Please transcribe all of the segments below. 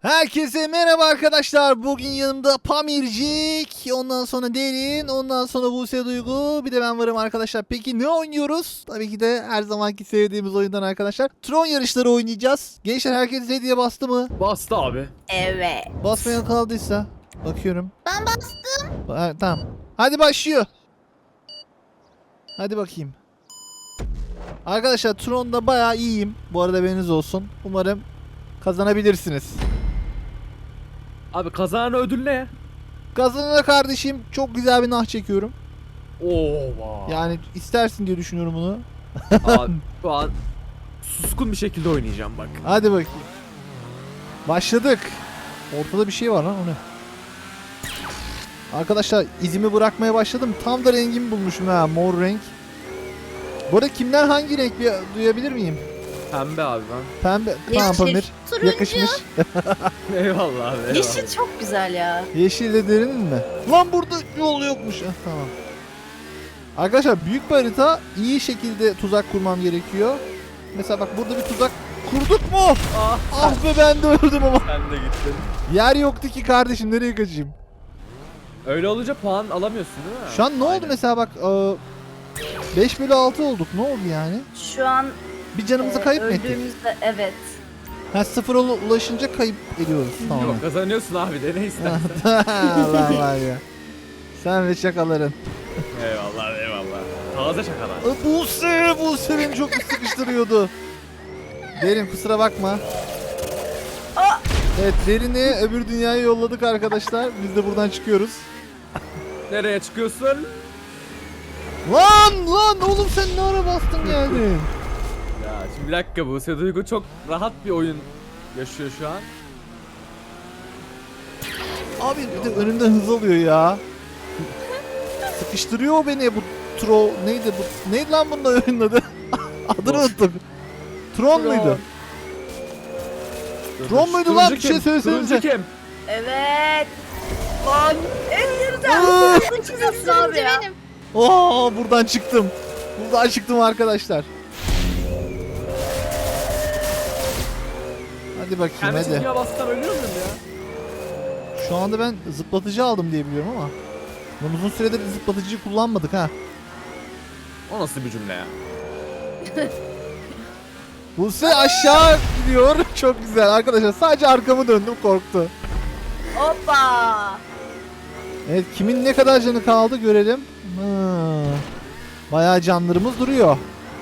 Herkese merhaba arkadaşlar. Bugün yanımda Pamircik, ondan sonra Derin, ondan sonra Buse Duygu, bir de ben varım arkadaşlar. Peki ne oynuyoruz? Tabii ki de her zamanki sevdiğimiz oyundan arkadaşlar. Tron yarışları oynayacağız. Gençler herkes hediye bastı mı? Bastı abi. Evet. Basmayan kaldıysa bakıyorum. Ben bastım. Tamam. Hadi başlıyor. Hadi bakayım. Arkadaşlar Tron'da bayağı iyiyim. Bu arada haberiniz olsun. Umarım kazanabilirsiniz. Abi kazanan ödül ne? Kazanana kardeşim çok güzel bir nah çekiyorum. Oo vay. Yani istersin diye düşünüyorum bunu. Abi şu an suskun bir şekilde oynayacağım bak. Hadi bakayım. Başladık. Ortada bir şey var lan, o ne? Arkadaşlar izimi bırakmaya başladım. Tam da rengimi bulmuşum ha, mor renk. Bu arada kimden hangi renk bir duyabilir miyim? Pembe abi ben. Pembe. Tamam Pamir. Turuncu. Yakışmış. Eyvallah abi eyvallah. Yeşil çok güzel ya. Yeşille derinin mi? Lan burada yol yokmuş. Tamam. Arkadaşlar büyük bir harita, iyi şekilde tuzak kurmam gerekiyor. Mesela bak burada bir tuzak kurduk mu? Ah, Ah be, ben de öldüm ama. sen de gittin. Yer yoktu ki kardeşim, nereye kaçayım? Öyle olunca puan alamıyorsun değil mi? Şu an ne oldu Aynen. mesela bak 5/6 olduk, ne oldu yani? Şu an Bir canımızı kayıp mı ettik? öldüğümüzde evet. Ha, sıfıra ulaşınca kayıp ediyoruz. Tamam. Yok kazanıyorsun abi de ne istersen. Allah var ya. Sen ve şakaların. Eyvallah eyvallah. Taze şakalar. Buse beni çok sıkıştırıyordu. Derin kusura bakma. Evet, Derin'i öbür dünyaya yolladık arkadaşlar. Biz de buradan çıkıyoruz. Nereye çıkıyorsun? Lan oğlum, sen ne ara bastın geldin? Ya şimdi bir dakika, Buse Duygu çok rahat bir oyun yaşıyor şu an. Abi bir de önümden hız alıyor ya. Sıkıştırıyor o beni bu neydi bu? Neydi lan bunun oyunun adı? Adını unuttum. Tron muydu? Tron muydu lan? Bir şey söylesenize. Turuncu kim? Evet. Lan en güzel. Aa! Çıkıyorsun abi ya. Benim. Oo, buradan çıktım. Buradan çıktım arkadaşlar. Hadi bakayım Kendi hadi. çizgiye bassam ölüyor muyum ya? Şu anda ben zıplatıcı aldım diye biliyorum ama. Lan uzun süredir zıplatıcıyı kullanmadık ha. O nasıl bir cümle ya? Buse aşağı gidiyor. Çok güzel arkadaşlar. Sadece arkamı döndüm, korktu. Hoppa. Evet, kimin ne kadar canı kaldı görelim. Bayağı canlarımız duruyor.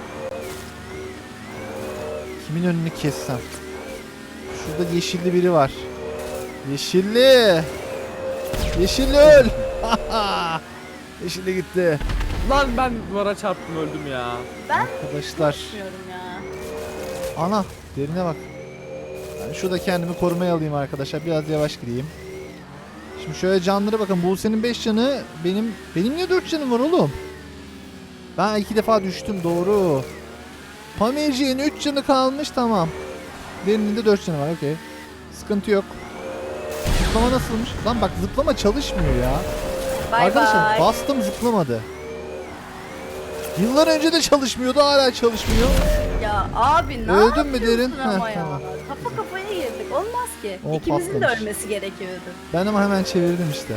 Kimin önünü kessem? Şurada yeşilli biri var. Yeşilli. Yeşilli öl. Yeşilli gitti. Lan ben duvara çarptım öldüm ya. Ben Arkadaşlar. bilmiyorum ya. Ana, derine bak. Ben şurada kendimi korumaya alayım arkadaşlar. Biraz yavaş gideyim. Şimdi şöyle canlara bakın. Buse'nin 5 canı. Benim niye 4 canım var oğlum? Ben 2 defa düştüm, doğru. Pamirci'nin 3 canı kalmış, tamam. Derinin de 4 canı var, okey. Sıkıntı yok. Zıplama nasılmış? Lan bak, zıplama çalışmıyor ya. Bay Arkadaşlar bay. bastım, zıplamadı. Yıllar önce de çalışmıyordu, hala çalışmıyor. Ya abi ne Öldün mü yapıyorsun Derin? ama Heh, ya? tamam. Kafa kafaya girdik. Olmaz ki. O İkimizin de patlamış. ölmesi gerekiyordu. Ben ama hemen çevirdim işte.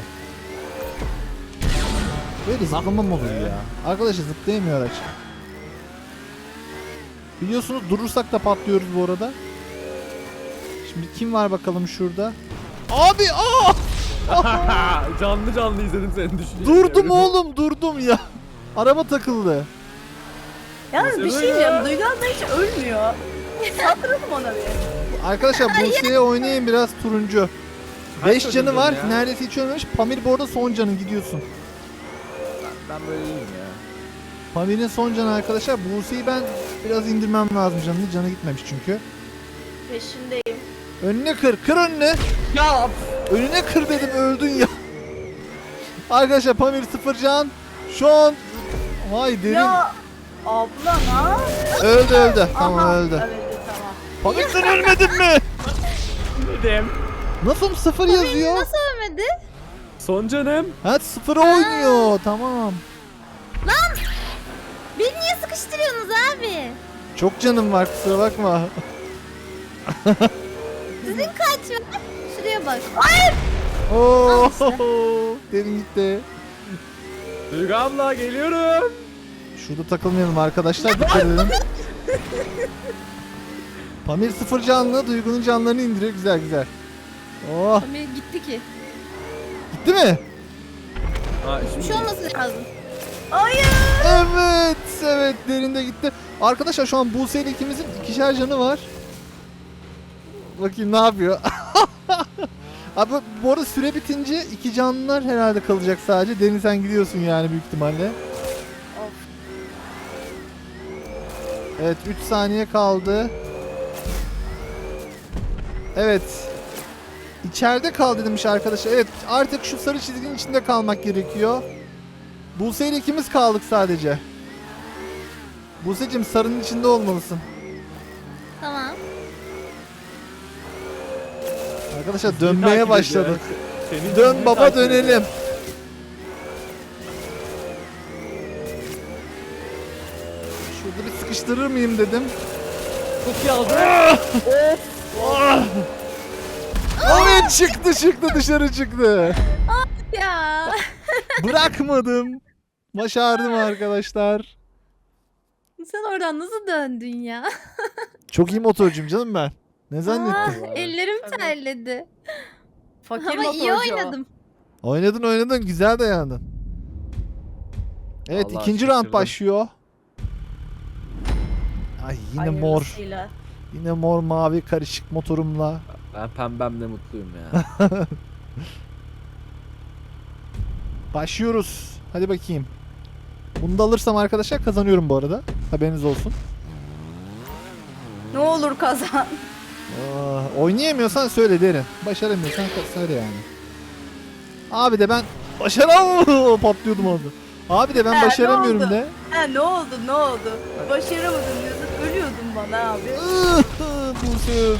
Böyle zıplama mı olur ya? Arkadaşlar zıplayamıyor araç. Biliyorsunuz durursak da patlıyoruz bu arada. Şimdi kim var bakalım şurada? Abi Canlı canlı izledim seni düşünce. durdum oğlum, durdum ya. Araba takıldı. Yalnız bir Nasıl şey ya? diyeceğim. Duygu abla hiç ölmüyor. Saldıralım ona bir. Arkadaşlar Buse'ye oynayın biraz, turuncu. Kaç 5 canı ödüldün var. ya? Neredeyse hiç ölmemiş. Pamir bu arada son canın, gidiyorsun. Ben böyle iyiyim ya. Pamir'in son canı arkadaşlar. Buse'yi ben biraz indirmem lazım canını. Canı gitmemiş çünkü. Peşindeyim. Önüne kır. Kır önüne. Ya Önüne kır dedim, öldün ya. Arkadaşlar Pamir 0 can. Şu an vay derin. Ya abla ha? Öldü. Tamam, Aha, öldü. Öldü tamam. Pamir sen ölmedin mi? dedim. Nasıl 0 yazıyor? Nasıl ölmedi? Son canım. Ha, 0 oynuyor. Tamam. Beni niye sıkıştırıyorsunuz abi? Çok canım var, kusura bakma. Sizin kaç var? Şuraya bak. Oo, Al derin gitti. Duygu abla geliyorum. Şurada takılmayalım arkadaşlar. Dikkat edin. Pamir sıfır canlı, Duygu'nun canlarını indiriyor. Güzel güzel. Oh, Pamir gitti ki. gitti mi? Ha, Bir şimdi şey olması lazım. Hayır. Evet, evet derinde gitti. Arkadaşlar şu an Buse ile ikimizin ikişer canı var. Bakayım ne yapıyor. Abi bu arada süre bitince iki canlılar herhalde kalacak sadece. Derin sen gidiyorsun yani büyük ihtimalle. Of. Evet 3 saniye kaldı. Evet. İçeride kal demiş arkadaşlar. Evet artık şu sarı çizginin içinde kalmak gerekiyor. Buse ile ikimiz kaldık sadece. Buse'cim sarının içinde olmalısın. Tamam. Arkadaşlar seni dönmeye takip başladık. ediyor. Seni Dön seni baba takip dönelim. ediyor. Şurada bir sıkıştırır mıyım dedim. Çok iyi aldı. Evet çıktı dışarı çıktı. Ya. Bırakmadım. Başardım arkadaşlar. Sen oradan nasıl döndün ya? Çok iyi motorcuyum canım ben. Ne zannettin? Vallahi. Ellerim Tabii. terledi. Fakir Ama iyi motorcu o. oynadım. Oynadın güzel dayandın. Evet Vallahi ikinci round şaşırdım. başlıyor. Ay yine mor. Hayırlısıyla. Yine mor mavi karışık motorumla. Ben pembemle mutluyum ya. Başlıyoruz. Hadi bakayım. Bunu da alırsam arkadaşlar kazanıyorum bu arada. Haberiniz olsun. Ne olur kazan. Oynayamıyorsan söyle derim. Başaramıyorsan söyle yani. Abi de ben başaramıyorum. Patlıyordum orada. Abi de ben He, ne başaramıyorum oldu? de. Ne oldu? Başaramadın diyorsun. Ölüyordun bana abi. Buse öldü.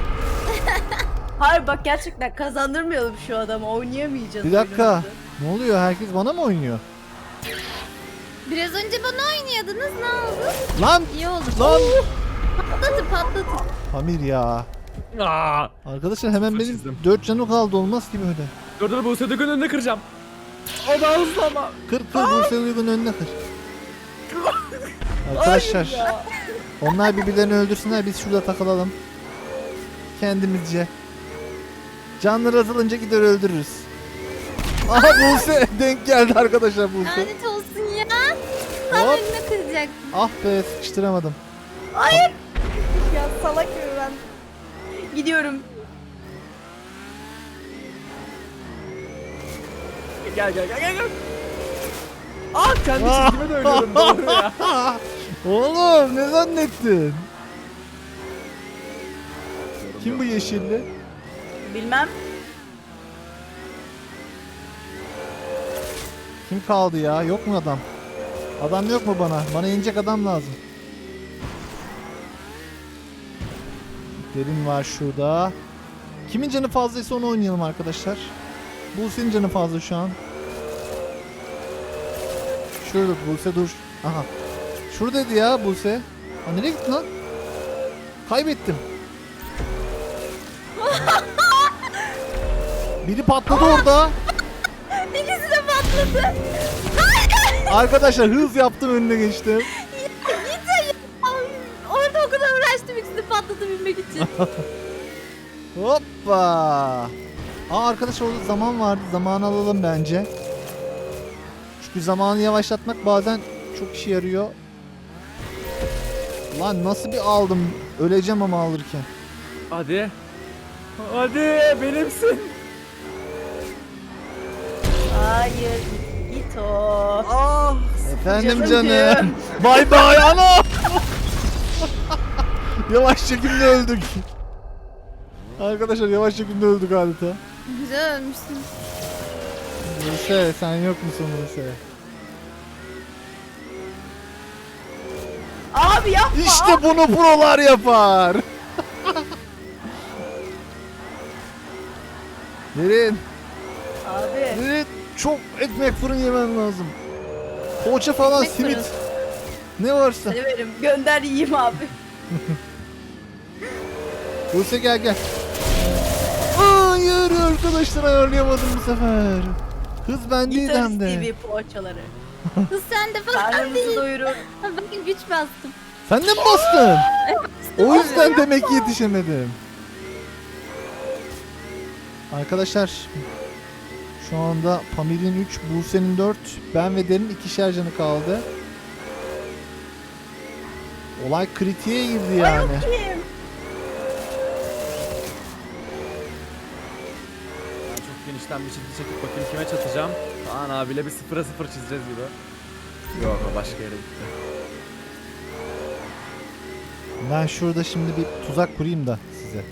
Hayır bak gerçekten kazandırmayalım şu adamı. Oynayamayacağız. Bir dakika. oyunumuzu. Ne oluyor? Herkes bana mı oynuyor? Biraz önce bana oynuyordunuz. Ne oldu? Lan! İyi oldu. Lan! Patlatın. Pamir ya. Aa! Arkadaşlar hemen Sıfır benim çizdim. 4 canım kaldı. Olmaz gibi öyle. Dur Buse Duygu'nun önünde kıracağım. O da hızlı ama. Kır Buse Uygun önüne kır. Arkadaşlar onlar birbirlerini öldürsünler biz şurada takılalım. Kendimizce. Canları azalınca gider öldürürüz. Aha Buse denk geldi arkadaşlar Buse. Lanet olsun ya. Tam Hop. önüne kıracaktım. Ah be sıkıştıramadım. Ya salak gibi ben. Gidiyorum. Gel. Ah kendi çizgime de ölüyorum doğru ya. Oğlum ne zannettin? Kim bu yeşilli? Bilmem. Kim kaldı ya? Yok mu adam? Adam yok mu bana? Bana inecek adam lazım. Derin var şurada. Kimin canı fazlaysa onu oynayalım arkadaşlar. Buse'nin canı fazla şu an. Şurada Buse dur. Aha. Şuradaydı ya Buse. Ha nereye gitti lan? Kaybettim. Biri patladı orada. İkisi de patladı. Arkadaşlar hız yaptım önüne geçtim. Orada o kadar uğraştım ikisini patlatabilmek için. Hoppa. Aa arkadaşlar orada zaman vardı. Zamanı alalım bence. Çünkü zamanı yavaşlatmak bazen çok işe yarıyor. Lan nasıl bir aldım? Öleceğim ama alırken. Hadi. Hadi benimsin. Hayır. Git o. Ah. Efendim Canım. canım. Bay bay ana. Yavaş çekimle öldük. Arkadaşlar yavaş çekimle öldük adeta. Güzel ölmüşsün. Buse sen yok musun Buse? Abi yapma. İşte bunu prolar yapar. Derin. Abi. Derin. Çok ekmek fırın yemen lazım. Poğaça falan Ekmek simit. fırın. Ne varsa. Severim. Gönder yiyeyim abi. Buse gel gel. Arkadaşlar ayarlayamadım bu sefer. Hız bendeydi hem Gitarist de. TV poğaçaları. Kız sen de falan Karnınızı değil. doyurur. Ben güç bastım. Sen de mi bastın? O yüzden demek ki yetişemedim. Arkadaşlar şu anda Pamir'in 3, Buse'nin 4, ben ve Derin 2'şer canı kaldı. Olay kritiğe girdi yani. Kim? Ben çok genişten bir çizgi çekip bakayım kime çatacağım. Kaan abiyle bir 0'a 0 çizeceğiz gibi. Yok o başka yere gitti. Ben şurada şimdi bir tuzak kurayım da size.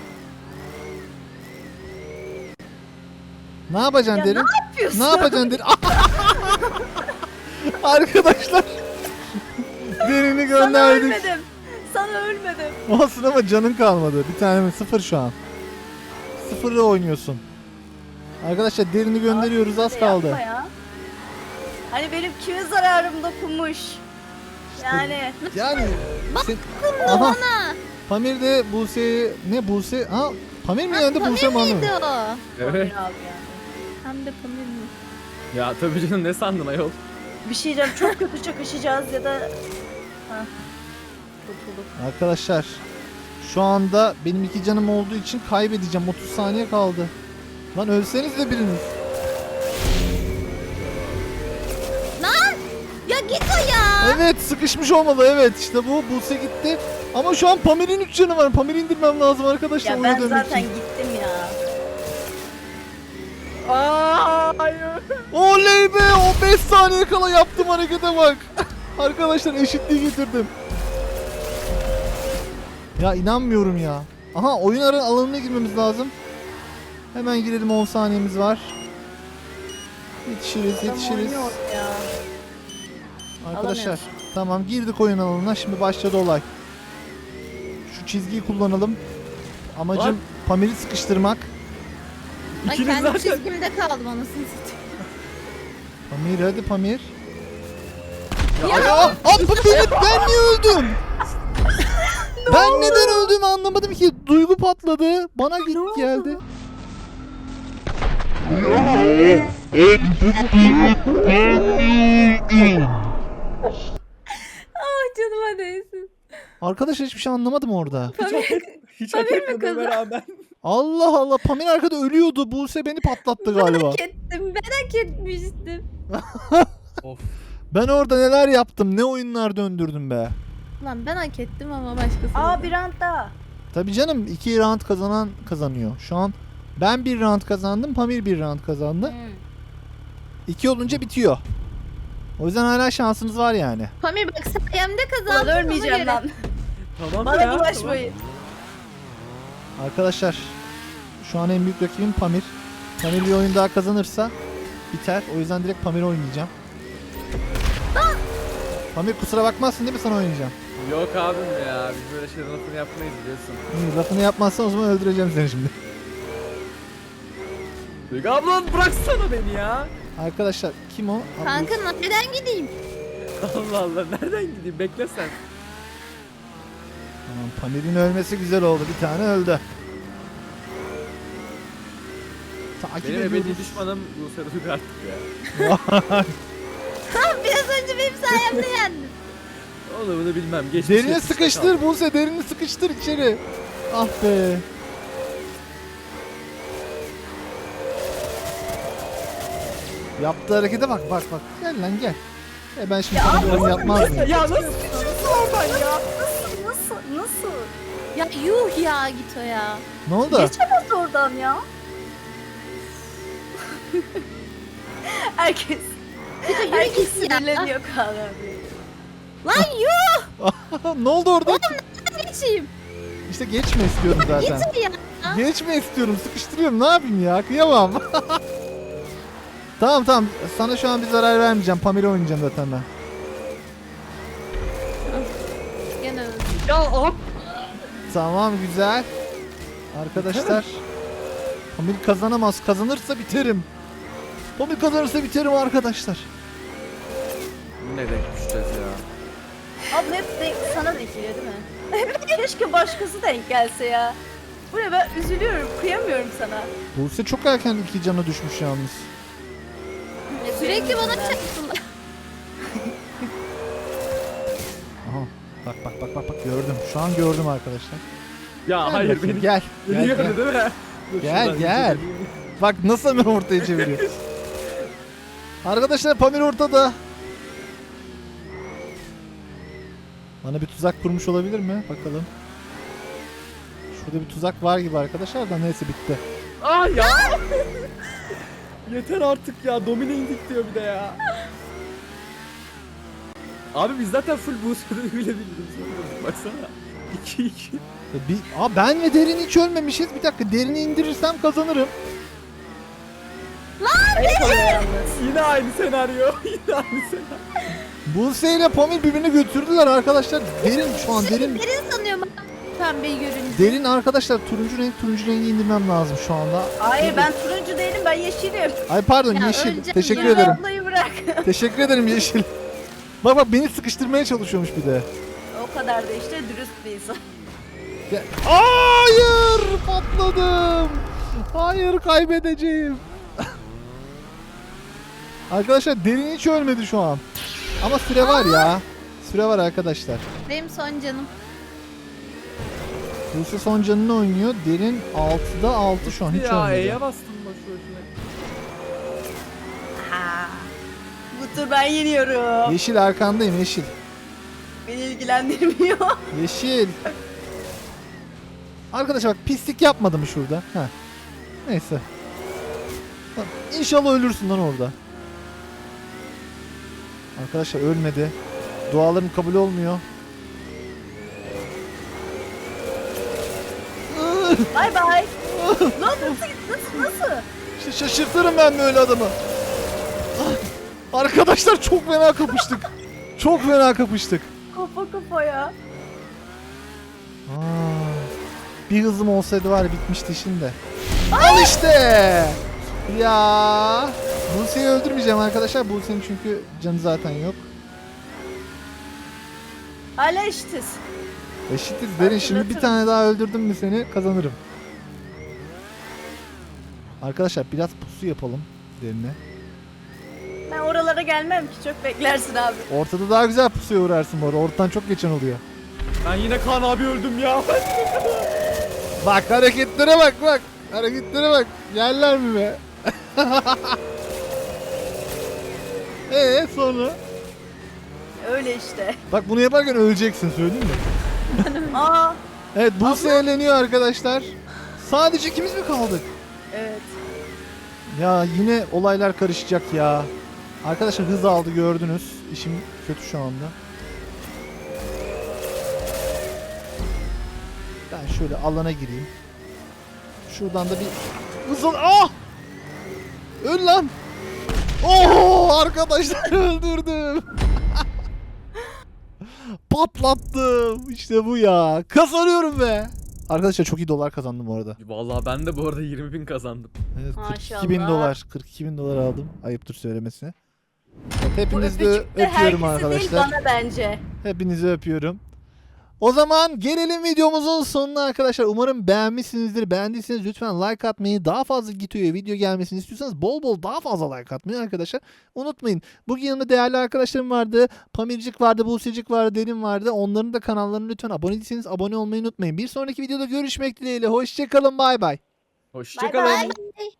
Ne yapacaksın Ya Derin? ne yapıyorsun? Ne yapacaksın Derin? Arkadaşlar Derin'i Sana gönderdik. ölmedim. Sana ölmedim. Olsun ama canın kalmadı. Bir tane mi? 0 şu an. 0'ı oynuyorsun. Arkadaşlar Derin'i gönderiyoruz, az kaldı. Yapma ya. Hani benim kime zararım dokunmuş. Yani Yani aha. Pamir de Buse'yi ne Buse? Ha Pamir mi yendi Buse mi? Neydi o? Evet. Pamir abi yani. Hem de Pamir mi? Ya tabii canım ne sandın ayol? Bir şey diyeceğim, çok kötü çakışacağız ya da... Hah. Kurtulduk. Arkadaşlar şu anda benim 2 canım olduğu için kaybedeceğim. 30 saniye kaldı. Lan ölseniz de biriniz. Ya git o ya. Evet sıkışmış olmalı, evet işte bu Buse gitti. Ama şu an Pamir'in 3 canı var. Pamir'i indirmem lazım arkadaşlar. Ya oyuna ben dönmek zaten için. gittim ya. Hayır. Oley be, o 5 saniye kala yaptım harekete bak. Arkadaşlar eşitliği getirdim. Ya inanmıyorum ya. Aha oyun alanına girmemiz lazım. Hemen girelim, 10 saniyemiz var. Yetişiriz Adam yetişiriz. oynuyor ya. Arkadaşlar Alamıyoruz. tamam girdik oyun alanına, şimdi başladı olay. Şu çizgiyi kullanalım. Amacım Lan. Pamir'i sıkıştırmak. Ben İkiniz kendi zaten- çizgimde kaldım anasını satayım. Pamir hadi Pamir. Ya, Ya ben niye öldüm? Ben neden öldüğümü anlamadım ki. Duygu patladı. Bana geldi. Ah canıma değsin. Arkadaşlar hiçbir şey anlamadım orada. hiç hak etmediğime rağmen. Allah Allah, Pamir arkada ölüyordu. Buse beni patlattı galiba. Hak ettim. Ben hak etmiştim. Of. Ben orada neler yaptım, ne oyunlar döndürdüm be. Lan ben hak ettim ama başkası. Aa bir round daha. Tabii canım, 2 round kazanan kazanıyor. Şu an ben 1 round kazandım, Pamir 1 round kazandı. 2 olunca bitiyor. O yüzden hala şansınız var yani. Pamir bak sayemde Lan kazandın. ona ölmeyeceğim göre. lan. Tamam Bana ya. bulaşmayın. Arkadaşlar şu an en büyük rakibim Pamir. Pamir bir oyun daha kazanırsa biter. O yüzden direkt Pamir oynayacağım. Pamir kusura bakmazsın değil mi, sana oynayacağım? Tamam. Yok abim ya. Biz böyle şeylerin lafını yapmayız biliyorsun. İyi, lafını yapmazsan o zaman öldüreceğim seni şimdi. Duygu ablan bıraksana beni ya. Arkadaşlar kim o? Abi, Kanka nereden gideyim? Allah Allah nereden gideyim bekle sen. Tamam, Pamir'in ölmesi güzel oldu. Bir tane öldü. Takip Benim ebedi ediyoruz. düşmanım Buse Duygu artık ya. Biraz önce benim sayemde yendin. Onu bunu bilmem. Geçmiş Derini geçmişte sıkıştır kaldı. Buse, derini sıkıştır içeri. Ah be. Yaptığı harekete bak bak bak. Gel lan gel. Ben şimdi sana bunu yapmaz mıyım? Ya nasıl geçiyorsun oradan ya? Nasıl? Ya yuh ya git o ya. Ne oldu? Geçemez oradan ya. Herkes Yürü git ya. sinirleniyor Kaan abi. Lan yuh Ne oldu orada? geçeyim. İşte geçme istiyorum zaten. Git ya. Geçme istiyorum. Sıkıştırıyorum. Ne yapayım ya? Kıyamam. Tamam tamam. Sana şu an bir zarar vermeyeceğim. Pamir'e oynayacağım zaten ben. Gene öldüm. Ya hop. Tamam güzel. Arkadaşlar. Pamir kazanamaz. Kazanırsa biterim. Pamir kazanırsa biterim arkadaşlar. Ne denk düşeceğiz ya. Abi hep sana denk geliyor değil mi? Keşke başkası denk gelse ya. Bu ne, ben üzülüyorum. Kıyamıyorum sana. Buse çok erken 2 cana düşmüş yalnız. Sürekli bana çarptılar. Aha. Bak gördüm. Şu an gördüm arkadaşlar. Ya Gel hayır bakayım, beni gel. beni Gel, gördü gel. değil mi? Dur, Gel, şuradan gel. geçelim. Bak nasıl hemen ortaya çeviriyor. Arkadaşlar Pamir ortada. Bana bir tuzak kurmuş olabilir mi? Bakalım. Şurada bir tuzak var gibi arkadaşlar da neyse bitti. Ah ya. Yeter artık ya. Domine indik diyor bir de ya. Abi biz zaten full boost'u bile bildiğimiz baksana. 2-2. Ben ve Derin hiç ölmemişiz. Bir dakika Derin'i indirirsem kazanırım. Ayıp oluyor yalnız. Yine aynı senaryo. Yine aynı senaryo. Buse ile Pamir birbirini götürdüler arkadaşlar. Derin şu an Derin. Derin sanıyorum pembeyi görünce. Derin arkadaşlar turuncu rengi indirmem lazım şu anda. Hayır, ben turuncu değilim, ben yeşilim. Ay pardon Ya yeşil. öleceğim Teşekkür ya. ederim. Ablayı bırak. Teşekkür ederim yeşil. Bak beni sıkıştırmaya çalışıyormuş bir de. O kadar da işte dürüst bir insan. Hayır patladım. Hayır kaybedeceğim. Arkadaşlar Derin hiç ölmedi şu an. Ama süre var ya. Süre var arkadaşlar. Benim son canım. Buse son canını oynuyor. Derin 6'da 6 şu an hiç Ya ölmedi. E'ye bastım bak şöyle. Ha. Bu tur ben yeniyorum. Yeşil arkandayım yeşil. Beni ilgilendirmiyor. Yeşil. Arkadaşlar bak pislik yapmadım şurada. Heh. Neyse. Lan, İnşallah ölürsün lan orada. Arkadaşlar ölmedi. Dualarım kabul olmuyor. Bay bay. Lan nasıl? Şaşırtırım ben böyle adamı. Ah, arkadaşlar çok fena kapıştık. Çok fena kapıştık. Kafa kafaya. Aa, bir hızım olsaydı var ya bitmişti şimdi. Al işte. Ya. Buse'yi öldürmeyeceğim arkadaşlar. Buse'nin çünkü canı zaten yok. Hala eşitiz. Eşitiz Derin. Şimdi bir tane daha öldürdüm mü seni kazanırım. Arkadaşlar biraz pusu yapalım Derin'e. Ben oralara gelmem ki, çok beklersin abi. Ortada daha güzel pusuya uğrarsın bu arada. Ortadan çok geçen oluyor. Ben yine Kaan abi öldüm ya. Bak hareketlere bak. Hareketlere bak. Yerler mi be? Sonra? Öyle işte. Bak bunu yaparken öleceksin söyleyeyim mi? Aa, Evet Buse eğleniyor arkadaşlar. Sadece ikimiz mi kaldık? evet. Ya yine olaylar karışacak ya. Arkadaşlar hız aldı gördünüz. İşim kötü şu anda. Ben şöyle alana gireyim. Şuradan da bir hız al. Ah! Öl lan. Oo arkadaşlar öldürdüm. Patlattım. İşte bu ya. Kazanıyorum be. Arkadaşlar çok iyi dolar kazandım bu arada. Vallahi ben de bu arada 20.000 kazandım. Evet, Maşallah. 42.000 dolar. 42.000 dolar aldım. Ayıptır söylemesi. Evet, Bu hepinizi de öpücük de öpüyorum herkese değil, arkadaşlar. bana bence. Hepinizi öpüyorum. O zaman gelelim videomuzun sonuna arkadaşlar. Umarım beğenmişsinizdir. Beğendiyseniz lütfen like atmayı, daha fazla Gito'ya video gelmesini istiyorsanız bol bol daha fazla like atmayı arkadaşlar unutmayın. Bugün yanımda değerli arkadaşlarım vardı. Pamircik vardı, Buse'cik vardı, Derin vardı. Onların da kanallarına lütfen abone değilseniz abone olmayı unutmayın. Bir sonraki videoda görüşmek dileğiyle. Hoşçakalın, bay bay. Hoşçakalın. Bye bye.